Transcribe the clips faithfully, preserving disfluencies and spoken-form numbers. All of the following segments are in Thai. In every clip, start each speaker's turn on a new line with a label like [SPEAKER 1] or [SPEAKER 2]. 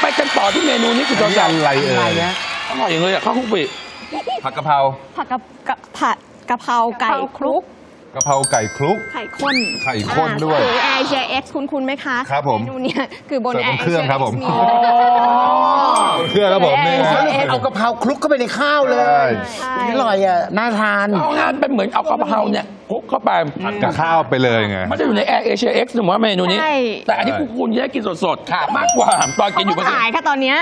[SPEAKER 1] ไปกันต่อที่เมนูนี้คุณจอม
[SPEAKER 2] นี่อะไรเอ่ย
[SPEAKER 1] อร่อยอย่างเลยอ่ะข้าวคลุกปี
[SPEAKER 2] ผัดกะเพรา
[SPEAKER 3] ผัดกะกะผัดกะเพราไก่คลุก
[SPEAKER 2] กะเพราไก่คลุก
[SPEAKER 3] ไข่ข้น
[SPEAKER 2] ไข่ข้นด้วย
[SPEAKER 3] หรือ แอร์ เอ เอช คุณคุณไหมคะ
[SPEAKER 2] ครับผม
[SPEAKER 3] เมนูเนี้ยคือบน
[SPEAKER 2] เสิร์ฟบน
[SPEAKER 3] Air
[SPEAKER 2] เครื่องครับผม
[SPEAKER 3] Asia
[SPEAKER 2] เครื่องครับผมนี่
[SPEAKER 3] Air Asia
[SPEAKER 4] เอากะเพราคลุกเข้าไปในข้าวเลย
[SPEAKER 3] ใช่
[SPEAKER 4] อร่อยอ่ะน่าทาน
[SPEAKER 1] เอางานเป็นเหมือนเอากะเพราเนี่ยคลุกเข้าไป
[SPEAKER 2] ผัดกับข้าวไปเลยไง
[SPEAKER 1] มันจะอยู่ใน Air Asia X หรือว่าเมนูนี้
[SPEAKER 3] ใช่
[SPEAKER 1] แต่อันนี้คุณคุณจะได้กินสดๆมากกว่าตอนกิ
[SPEAKER 3] เขา
[SPEAKER 1] นอยู่
[SPEAKER 3] ก็
[SPEAKER 1] บน
[SPEAKER 3] ขายค่ะตอนเนี้ย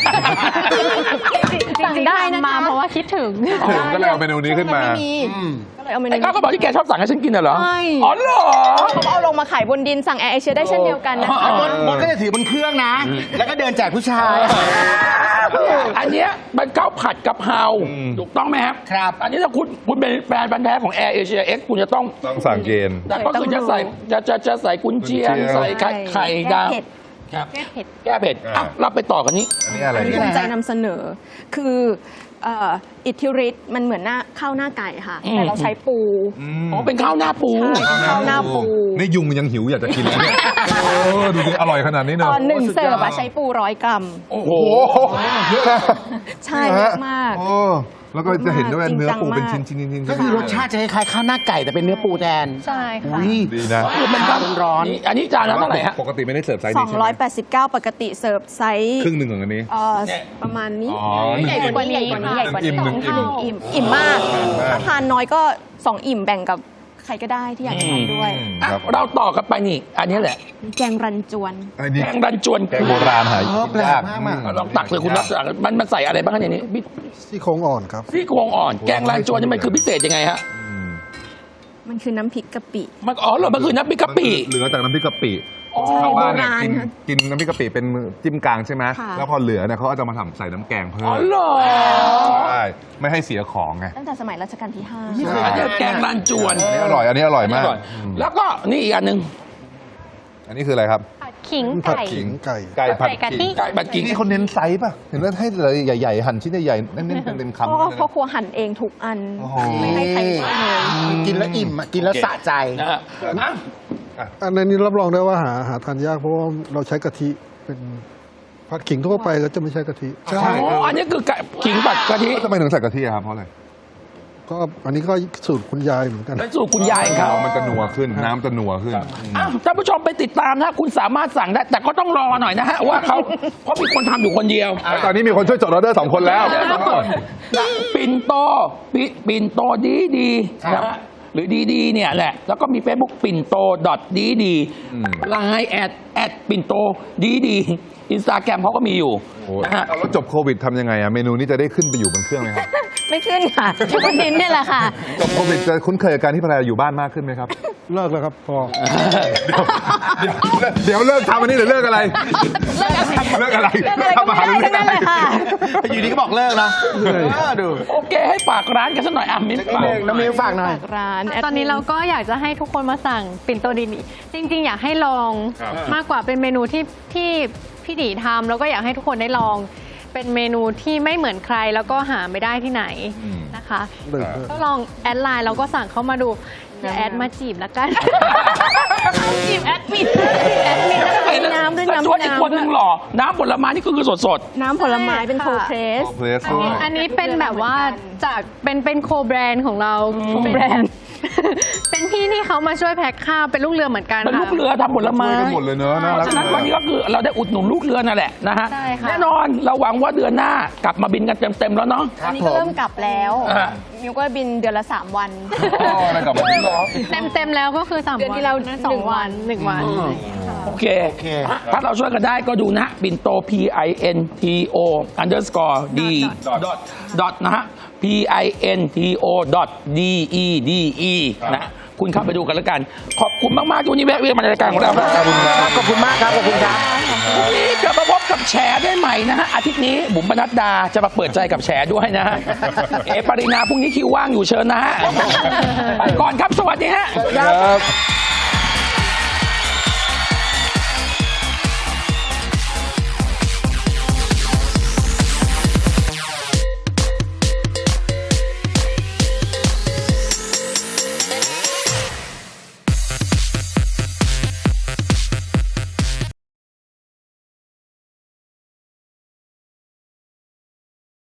[SPEAKER 5] สั่งได้นะคะเพราะว่าคิดถึง
[SPEAKER 2] ผมก็เลยเอาเมนูนี้ขึ้นมา
[SPEAKER 3] ไม่มีก็เลยเอาเมนู
[SPEAKER 1] ไอ้ก้าวก็บอกที่แกชอบสั่งให้ฉันกินน่ะเหรอ
[SPEAKER 3] ใช่
[SPEAKER 1] อ๋อเหรอ
[SPEAKER 3] เขาเอาลงมาขายบนดินสั่ง Air Asia ได้เช่นเดียวกันนะคะ
[SPEAKER 1] อ๋อ
[SPEAKER 4] มดก็จะถือบนเครื่องนะ แล้วก็เดินแจกผู้ชาย
[SPEAKER 1] อันเนี้ยมันข้าวผัดกะเพรา
[SPEAKER 2] อืม
[SPEAKER 1] ถูกต้องไหมครับ
[SPEAKER 4] ครับ
[SPEAKER 1] อันนี้ถ้าคุณคุณเป็นแฟนพันธุ์แท้ของ Air Asia X คุณจะต้อง
[SPEAKER 2] ต้องสั่งเกณฑ์
[SPEAKER 1] แต่ก็คือจะใส่จะจะจะใส่กุนเชียง
[SPEAKER 2] กุนเชียง
[SPEAKER 1] ใส่ไข่ไข่ดาว
[SPEAKER 3] แก้เผ็ด
[SPEAKER 1] ครับ
[SPEAKER 5] แก้เผ็ด
[SPEAKER 1] แก้เผ็ดอ่ะเราไปต่อกันนี้
[SPEAKER 2] อันนี้อะไร
[SPEAKER 3] อันนี้
[SPEAKER 2] เนี่ย
[SPEAKER 3] ภูมิใจนำเสนอ คือเอ่ออิทธิฤทธิ์มันเหมือนหน้าข้าวหน้าไก่ค่ะ
[SPEAKER 1] อืม
[SPEAKER 3] แต่เราใช้ปู
[SPEAKER 1] อ๋อเป็นข้าวหน้าปู
[SPEAKER 3] ใช่ข้าวหน้าปู
[SPEAKER 2] นี่ยุงยังหิวอยากจะกินแล้วเนี่ยโอ้ดูดิอร่อยขนาดนี้เน
[SPEAKER 3] ต
[SPEAKER 2] อะ
[SPEAKER 3] อนหนึ่งเสิร์ฟอะใช้ปูร้อยกรัม
[SPEAKER 1] โอ้โห
[SPEAKER 2] โอ้โหเยอะนะ
[SPEAKER 3] ใช่เยอะมาก
[SPEAKER 2] โอ้แล้วก็จะเห็นด้วยว่าเนื้อปูเป็น
[SPEAKER 3] จริ
[SPEAKER 2] ชิ้
[SPEAKER 3] ง
[SPEAKER 2] น
[SPEAKER 3] จัง
[SPEAKER 2] ชิ้นชิ้น
[SPEAKER 4] ก็คือรสชาติจะคล้ายๆข้าวหน้าไก่แต่เป็นเนื้อปูแทน
[SPEAKER 5] ใช่ค่ะ
[SPEAKER 4] อุ้ย
[SPEAKER 2] ดีนะ
[SPEAKER 1] คือเป็นข้าว
[SPEAKER 4] ร้อน
[SPEAKER 1] อันนี้จานละเท่าไหร่ฮะ
[SPEAKER 2] ปกติไม่ได้เสิร์ฟไซส์
[SPEAKER 3] สอ
[SPEAKER 2] นี้
[SPEAKER 3] ง
[SPEAKER 2] ใช่ไห
[SPEAKER 3] ร้
[SPEAKER 2] ม
[SPEAKER 3] อยแปดสิบเก้าปกติเสิร์ฟไซส์
[SPEAKER 2] ครึ่งหนึ่งของอันนี้
[SPEAKER 3] เอ่อ
[SPEAKER 1] เนี่ย
[SPEAKER 3] ประมาณนี้
[SPEAKER 2] อ๋อ
[SPEAKER 3] ใหญ่กว่านี้
[SPEAKER 5] หนึ่
[SPEAKER 3] ใหญ่
[SPEAKER 5] ง
[SPEAKER 3] กว่านี้ใหญ่กว่านี้
[SPEAKER 2] หนึ่งอิ่ม
[SPEAKER 3] สอง
[SPEAKER 2] หนึ่งอิ่ม
[SPEAKER 3] เท่าอิ่มมาก
[SPEAKER 2] อิ่มมาก
[SPEAKER 3] ถ้าทานน้อยก็สองอิ่มแบ่งกับใครก็ได้ที่อยากทานด้วย
[SPEAKER 2] อืม
[SPEAKER 1] อ่ะ
[SPEAKER 2] ครับ
[SPEAKER 1] เราต่อกันไปนี่ อันนี้แหละ
[SPEAKER 3] แกงรันจวน
[SPEAKER 2] อันนี้
[SPEAKER 1] แกงรันจวน
[SPEAKER 2] แกงโบราณหาย
[SPEAKER 4] เออแปลก
[SPEAKER 2] ยาก
[SPEAKER 4] มากมาก
[SPEAKER 1] ลองตักเลยคุณรับมันมันใส่อะไรบ้างคะในนี้พี่
[SPEAKER 6] ซี่โครงอ่อนครับ
[SPEAKER 1] ซี่โครงอ่อน แกงรันจวนนี่มันคือพิเศษยังไงฮะ
[SPEAKER 2] อืม
[SPEAKER 3] มันคือน้ำพริกกะปิ
[SPEAKER 1] มันอ๋อเหรอมันคือน้ำพริกกะปิ
[SPEAKER 2] เหลือจากน้ำพริกกะปิ
[SPEAKER 1] อ๋อ
[SPEAKER 2] ชาวบ้านเนี่ย
[SPEAKER 3] โบราณ
[SPEAKER 2] กิน
[SPEAKER 3] ค่ะ
[SPEAKER 2] กินน้ำพริกกะปิเป็นจิ้มกลางใช่ไหม
[SPEAKER 3] ค่ะ
[SPEAKER 2] แล้วพอเหลือเนี่ยเขาก็จะมาทำใส่น้ำแกงเพิ่ม
[SPEAKER 1] อ๋อเหรอ
[SPEAKER 2] ใช่ไม่ให้เสียของไง
[SPEAKER 3] ตั้งแต่สมัยรัชกาลที่ห้า
[SPEAKER 1] อันนี้แกงรันจวน
[SPEAKER 2] อันนี้อร่อยอันนี้อร่อยมาก
[SPEAKER 1] อร่อย
[SPEAKER 2] อืม
[SPEAKER 1] แล้วก็นี่อีกอันหนึ่ง
[SPEAKER 2] อันนี้คืออะไรครับ
[SPEAKER 5] ผัดขิง
[SPEAKER 6] ผัด
[SPEAKER 5] ไก่
[SPEAKER 6] ขิงไก่
[SPEAKER 2] ไก่ผัด
[SPEAKER 5] ไก่กะทิ
[SPEAKER 2] ขิง
[SPEAKER 1] ไก่บัดกิ้ง
[SPEAKER 2] นี่เขาเน้นไซส์ป่ะเห็นว่าให้เลยใหญ่ๆหั่นชิ้นใหญ่ๆเน้นๆเต็มๆคำ
[SPEAKER 3] เพราะว่าพ่อครัวหั่นเองทุกอัน
[SPEAKER 2] โอ้โห
[SPEAKER 3] ไม่ให้ใครช่วยเลย
[SPEAKER 4] กินแล้วอิ่มอะกินแล้วสะใจ
[SPEAKER 1] นะฮะอ่ะ
[SPEAKER 6] อันนี้รับรองได้ว่าหาหาทานยากเพราะว่าเราใช้กะทิเป็นผัดขิงทั่วไปก็จะไม่ใช้กะทิ
[SPEAKER 2] ใช่
[SPEAKER 1] อ๋ออันนี้คือไก่ขิงผัดกะทิ
[SPEAKER 2] ทำไมถึงใส่กะทิอะครับเพราะอะไร
[SPEAKER 6] ก็อันนี้ก็สูตรคุณยายเหมือนกัน
[SPEAKER 1] เป็นสูตรคุณยายเขา
[SPEAKER 2] มันจะนัวขึ้นน้ำจะนัวขึ้นอืม
[SPEAKER 1] อ้าวท่านผู้ชมไปติดตามนะคุณสามารถสั่งได้ แต่ก็ต้องรอหน่อยนะฮะว่าเขาเพราะมีคนทำอยู่คนเดียว
[SPEAKER 2] ตอนนี้มีคนช่วยจดออเดอร์สองคนแล้ว
[SPEAKER 1] ปิ่นโตปิปิ่นโตดีดีนะฮะหรือดีดีเนี่ยแหละ แล้วก็มี Facebook ปิ่นโตดอทดีดี
[SPEAKER 2] อืม
[SPEAKER 1] ไลน์แอดแอดปิ่นโตดีดีอินสตาแกรมเขาก็มีอยู่
[SPEAKER 2] โอ้
[SPEAKER 1] นะฮะ
[SPEAKER 2] แล้วจบโควิดทำยังไงอะเมนูนี้จะได้ขึ้นไปอยู่บนเครื่องไหมครับ
[SPEAKER 3] ไม่ขึ้นค่ะอยู่บนดินเนี่ยแหละค่ะ
[SPEAKER 2] จบโควิดจะคุ้นเคยกับการที่ภรรยาอยู่บ้านมากขึ้นไหมครับ
[SPEAKER 6] เลิกแล้วครับพอ
[SPEAKER 2] เดี๋ยวเดี๋ยวเลิกทำอันนี้หรือเลิกอะไร เลิกอะไร
[SPEAKER 3] เลิกอะไรก็ไม่ได้ทั้งนั้นเลยค่ะ
[SPEAKER 4] อยู่ดีก็บอกเลิกนะเออดู
[SPEAKER 1] โอเคให้ฝากร้านกันสักหน่อยอ่ะมิ้นฝาก
[SPEAKER 4] น้ำมิวฝากหน่อย
[SPEAKER 3] ร้าน
[SPEAKER 5] ตอนนี้เราก็อยากจะให้ทุกคนมาสั่งปิ่นโตดินจริง ๆ อยากให้ลอง
[SPEAKER 2] ครับ
[SPEAKER 5] มากกว่าเป็นเมนูที่ที่พี่ดีทำแล้วก็อยากให้ทุกคนได้ลอง เป็นเมนูที่ไม่เหมือนใครแล้วก็หาไม่ได้ที่ไหนนะคะ
[SPEAKER 6] เลิกเลิก
[SPEAKER 5] ก็ลองแอดไลน์แล้วก็สั่งเข้ามาดูอย่าแอดมาจีบละกัน จีบแอดมินแอดมิน
[SPEAKER 3] มีน้ำด้วย
[SPEAKER 1] แต่
[SPEAKER 3] น้ำ
[SPEAKER 1] ส่วนอีกคนหนึ่งหล่อน้ำผลไม้นี่คือสดสด
[SPEAKER 3] น้ำผลไม้เป็นโคเพรส
[SPEAKER 2] โอเพลส
[SPEAKER 5] อัน
[SPEAKER 2] ด้ว
[SPEAKER 5] นี้
[SPEAKER 2] ย
[SPEAKER 5] อันนี้เป็นแบบว่าจากเป็นเป็นโคแบรนด์ของเราโคแบรนด์ เป็นพี่ที่เขามาช่วยแพ็คข้าวเป็นลูกเรือเหมือนกัน
[SPEAKER 1] เป็น
[SPEAKER 5] ค่ะ
[SPEAKER 1] ลูกเรือทำผลไม้
[SPEAKER 2] ช่วยกันหมดเลยเนอะน่า
[SPEAKER 1] เพ
[SPEAKER 2] รัก
[SPEAKER 1] ราะฉะนั้นวันนี้ก็คือเราได้อุดหนุนลูกเรือนั่นแหละนะฮะ
[SPEAKER 5] ใช่ค่ะ
[SPEAKER 1] แน่นอนเราหวังว่าเดือนหน้ากลับมาบินกันเต็มๆแล้วเนาะ
[SPEAKER 3] อันนี้ก็เริ่มกลับแล้ว
[SPEAKER 1] อ่า
[SPEAKER 3] มิวก็บินเดือนละสามวัน
[SPEAKER 2] อ๋อได้กลับมาดีเหรอ
[SPEAKER 5] เต็มเต็มๆแล้วก็คือสาม
[SPEAKER 3] เดือน
[SPEAKER 5] วัน
[SPEAKER 3] ที่เรา
[SPEAKER 5] สอ
[SPEAKER 3] หนึ่
[SPEAKER 5] ง
[SPEAKER 3] งวั
[SPEAKER 5] วัน
[SPEAKER 3] น
[SPEAKER 5] หนึ่งวัน
[SPEAKER 1] โอเค
[SPEAKER 4] โอเค
[SPEAKER 1] ถ้าเราช่วยกันได้ก็ดูนะปิ่นโต P I N T O underscore D dot dot นะฮะ P I N T O dot D E D E นะคุณเข้าไปดูกันแล้วกัน ขอบคุณมากๆที่วันนี้แวะเวียนมาในรายการของเราครับ
[SPEAKER 4] ขอบคุณมากครับ ขอบคุณครับ
[SPEAKER 1] พรุ่งนี้กลับมาพบกับแฉได้ใหม่นะฮะ อาทิตย์นี้บุ๋มปนัดดาจะมาเปิดใจกับแฉด้วยนะฮะ เอปรินาพรุ่งนี้คิวว่างอยู่เชิญนะฮะไปก่อนครับ สวัสดีฮะ
[SPEAKER 2] ครับ